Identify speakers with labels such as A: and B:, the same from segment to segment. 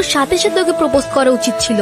A: সাথে সাথে ওকে প্রপোজ করা উচিত ছিল।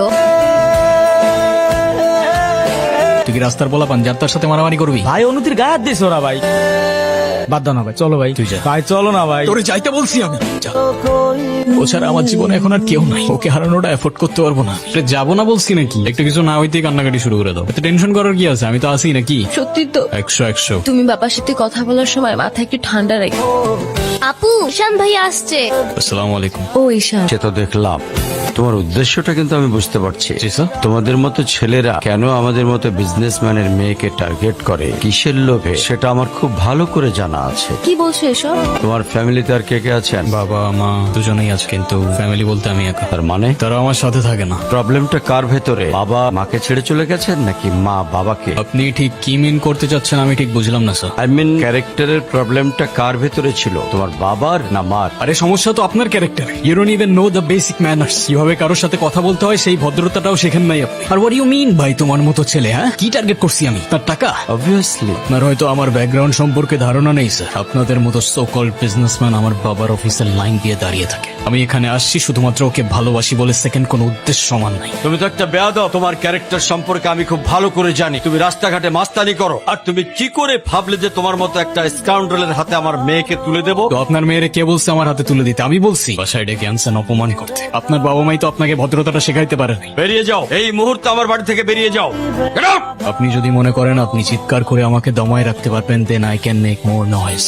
B: তুই কি রাস্তার বলা পান যার তার সাথে মারামারি করবি?
C: ভাই অনুতির গায়ে হাত দিস ওরা ভাই। বাদ দাও না ভাই, চলো ভাই।
B: তুই যা।
C: ভাই চলো না ভাই।
B: তোরে যাইতে বলছি আমি। যা। ও ছাড়া আমার জীবনে এখন আর কেউ নাই, ওকে হারানোটা এফোর্ড করতে পারবো না। যাবো না বলছি নাকি? একটু কিছু না হইতেই কান্নাকাটি শুরু করে দাও। এত টেনশন করার কি আছে? আমি তো আছি নাকি।
A: সত্যি তো?
B: 100
A: তুমি বাবার সাথে কথা বলার সময় মাথা একটু ঠান্ডা রাখো। আপু, ঈশান ভাই আসছে।
B: আসসালামু আলাইকুম।
A: ও ঈশান,
D: সে তো দেখলাম, তোমার উদ্দেশ্যটা কিন্তু আমি বুঝতে পারছি।
B: জি স্যার।
D: তোমাদের মতো ছেলেরা কেন আমাদের মতো বিজনেসম্যানের মেয়েকে টার্গেট করে, কিসের লোভে, সেটা আমার খুব ভালো করে জানা আছে।
A: কি বলছো এসব?
D: তোমার ফ্যামিলিতে আর কে কে আছেন?
B: বাবা মা দুজনেই আছে, কিন্তু ফ্যামিলি বলতে আমি একা।
D: তার মানে
B: তারা আমার সাথে থাকে না।
D: প্রবলেমটা কার ভেতরে? বাবা মাকে ছেড়ে চলে গেছেন নাকি মা বাবাকে?
B: আপনি ঠিক কি মিন করতে চাচ্ছেন আমি ঠিক বুঝলাম না স্যার।
D: আই মিন ক্যারেক্টারের প্রবলেমটা কার ভেতরে ছিল, তোমার বাবার না মার?
B: আরে সমস্যা তো আপনার character. You don't even know the basic manners. কিভাবে কারোর সাথে কথা বলতে হয় সেই ভদ্রতাটাও শেখেন নাই আপনি। আর হোয়াট ইউ মিন ভাই তোমার মতো ছেলে? হ্যাঁ, কি টার্গেট করছি আমি? তার টাকা?
D: অবভিয়াসলি।
B: আপনার হয়তো আমার ব্যাকগ্রাউন্ড সম্পর্কে ধারণা নেই স্যার। আপনাদের মতো সো কল্ড বিজনেসম্যান আমার বাবার অফিসের লাইন দিয়ে দাঁড়িয়ে থাকে। আমি এখানে আসছি শুধুমাত্র ওকে ভালোবাসি বলে, সেকেন্ড কোনো উদ্দেশ্য সমান নাই।
D: তুমি তো একটা বেয়াদব। তোমার ক্যারেক্টার সম্পর্কে আমি খুব ভালো করে জানি। তুমি রাস্তাঘাটে মাস্তানি করো, আর তুমি কি করে ভাবলে যে তোমার মতো একটা স্কাউন্ডারের হাতে আমার মেয়েকে তুলে দেবো?
B: তো আপনার মেয়েরে কে বলছে আমার হাতে তুলে দিতে? আমি বলছি বাসায় ডেকে আনছেন অপমান করতে। আপনার বাবা মাই তো আপনাকে ভদ্রতাটা শেখাইতে পারেনি।
D: বেরিয়ে যাও, এই মুহূর্তে আমার বাড়ি থেকে বেরিয়ে যাও। Get out!
B: আপনি যদি মনে করেন আপনি চিৎকার করে আমাকে দমায় রাখতে পারবেন, then I can make more noise.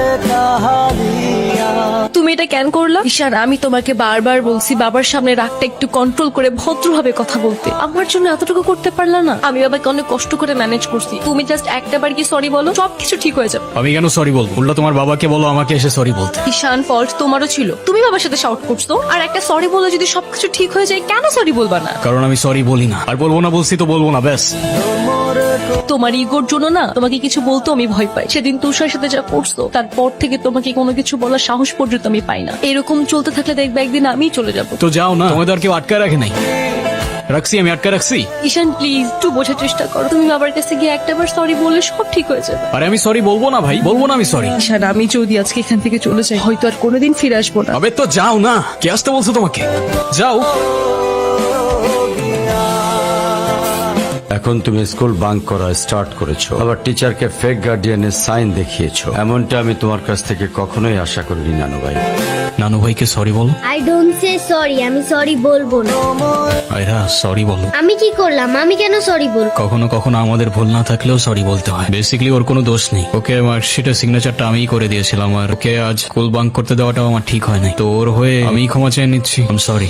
A: তুমি এটা কেন করলা? ঈশান, আমি তোমাকে বারবার বলছি বাবার সামনে রাগটা একটু কন্ট্রোল করে ভদ্রভাবে কথা বলতে। আমার জন্য এতটুকু করতে পারলা না? আমি বাবাকে অনেক কষ্ট করে ম্যানেজ করছি। তুমি জাস্ট একটা বার কি সরি বলো, সবকিছু ঠিক হয়ে যাবে।
B: আমি কেন সরি বলবো? উল্টা তোমার বাবাকে বলো আমাকে এসে সরি বলতে।
A: ঈশান, ফল্ট তোমারও ছিল। তুমি বাবার সাথে শাউট করছো, আর একটা সরি বলে যদি সবকিছু ঠিক হয়ে যায়, কেন সরি বলবা না?
B: কারণ আমি সরি বলি না, আর বলবো না। বলছি তো বলবো না, ব্যাস।
A: তোমার ইগোর জন্য না তোমাকে কিছু বলতে আমি ভয় পাই। সেদিন তুষার সাথে যা করছো, তারপর থেকে তোমাকে কোনো কিছু বলার সাহস পর্যন্ত আমি পাই না। এরকম চলতে থাকলে দেখবে একদিন আমি চলে যাব।
B: তো যাও না, তোমাদের আর কেউ আটকে রাখে নাই। রাখছি, আমি আটকে রাখছি।
A: ঈশান প্লিজ একটু বোঝার চেষ্টা করো। তুমি বাবার কাছে গিয়ে একটাবার সরি বললে সব ঠিক হয়ে যাবে।
B: আরে আমি সরি বলবো না ভাই, বলবো না আমি সরি।
A: ঈশান, আমি যদি আজকে এখান থেকে চলে যাই, হয়তো আর কোনোদিন ফিরে আসবো না।
B: আবে তো যাও না, কে আসতে বলছো তোমাকে? যাও।
D: এখন তুমি স্কুল বাঙ্ক করা স্টার্ট করেছো, আবার টিচারকে ফেক গার্ডিয়ানের সাইন দেখিয়েছো। এমনটা আমি তোমার কাছ থেকে কখনোই আশা করিনি নানু ভাই।
B: নানু ভাইকে সরি বলো।
E: আই ডোন্ট সে সরি, আমি সরি বলবো না।
B: আয়রা সরি বলো।
E: আমি কি করলাম? আমি কেন সরি বলবো?
B: কখনো কখনো আমাদের ভুল না থাকলেও সরি বলতে হয়। বেসিক্যালি ওর কোনো দোষ নেই। ওকে মার্কশিটের সিগনেচারটা আমিই করে দিয়েছিলাম, আর ওকে আজ স্কুল বাঙ্ক করতে দেওয়াটাও আমার ঠিক হয় নাই। তো ওর হয়ে আমি ক্ষমা চেয়ে নিচ্ছি। I am sorry.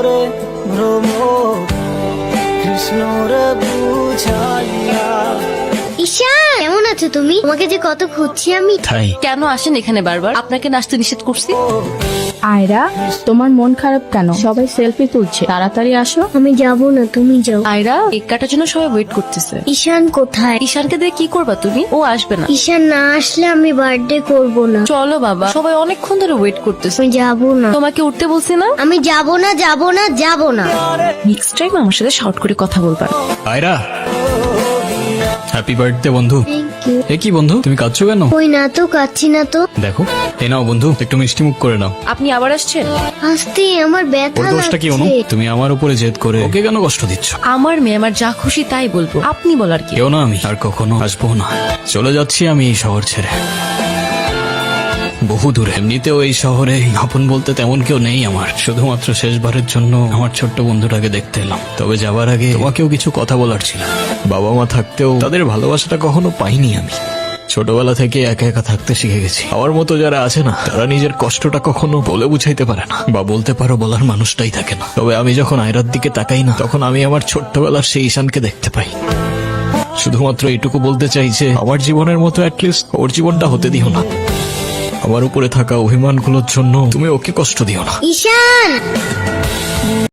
E: ঈশান, কেমন আছো তুমি? তোমাকে যে কত খুঁজছি আমি।
B: তাই
A: কেন আসেন এখানে বারবার? আপনাকে নাচতে নিষেধ করছি।
F: আয়রা, তোমার মন খারাপ কেন? সবাই সেলফি তুলছে, তাড়াতাড়ি আসো।
E: আমি যাবো না, তুমি যাও।
A: আয়রা, কেক কাটার জন্য সবাই ওয়েট করতেছে।
E: ঈশান কোথায়?
A: ঈশানকে দিয়ে কি করবা তুমি? ও আসবে না।
E: ঈশান না আসলে আমি বার্থডে করব না।
A: চলো বাবা, সবাই অনেকক্ষণ ধরে ওয়েট করতেছে।
E: আমি যাবো না।
A: তোমাকে উঠতে বলছি না?
E: আমি যাবো না, যাবো না, যাবো না।
A: নেক্সট টাইম আমার সাথে শর্ট করে কথা বলবা।
B: আয়রা, হ্যাপি বার্থডে বন্ধু।
E: Thank you.
B: এ কি বন্ধু, তুমি কাঁদছো কেন?
E: কই না তো, কাচ্ছি না তো।
B: দেখো, এ নাও বন্ধু, একটু মিষ্টি মুখ করে নাও।
A: আপনি আবার আসছেন?
E: আসতে আমার
B: ওর
E: ব্যথা
B: দোষটা কি অনু?
E: লাগছে।
B: তুমি আমার উপরে জেদ করে ওকে কেন কষ্ট দিচ্ছ?
A: আমার মেয়ে, আমার যা খুশি তাই বলবো। আপনি বলার কি?
B: কেউ না, আমি আর কখনো আসবো না। চলে যাচ্ছি আমি এই শহর ছেড়ে, বহু দূরে। এমনিতেও এই শহরে আপন বলতে তেমন কেউ নেই আমার। শুধুমাত্র শেষবারের জন্য আমার ছোট্ট বন্ধুটাকে দেখতে এলাম। তবে যাবার আগে তোমাকেও কিছু কথা বলার ছিল। বাবা মা থাকতেও তাদের ভালোবাসাটা কখনো পাইনি আমি। ছোটবেলা থেকে একা একা থাকতে শিখে গেছি। আমার মতো যারা আছে না, তারা নিজের কষ্টটা কখনো বলে বুঝাইতে পারে না, বা বলতে পারো বলার মানুষটাই থাকে না। তবে আমি যখন আয়রার দিকে তাকাই না, তখন আমি আমার ছোট্টবেলার সেই ঈশানকে দেখতে পাই। শুধুমাত্র এইটুকু বলতে চাই যে আমার জীবনের মতো অ্যাটলিস্ট ওর জীবনটা হতে দিও না। আমার উপরে থাকা অভিমানগুলোর জন্য তুমি ওকে কষ্ট দিও না।
E: ঈশান।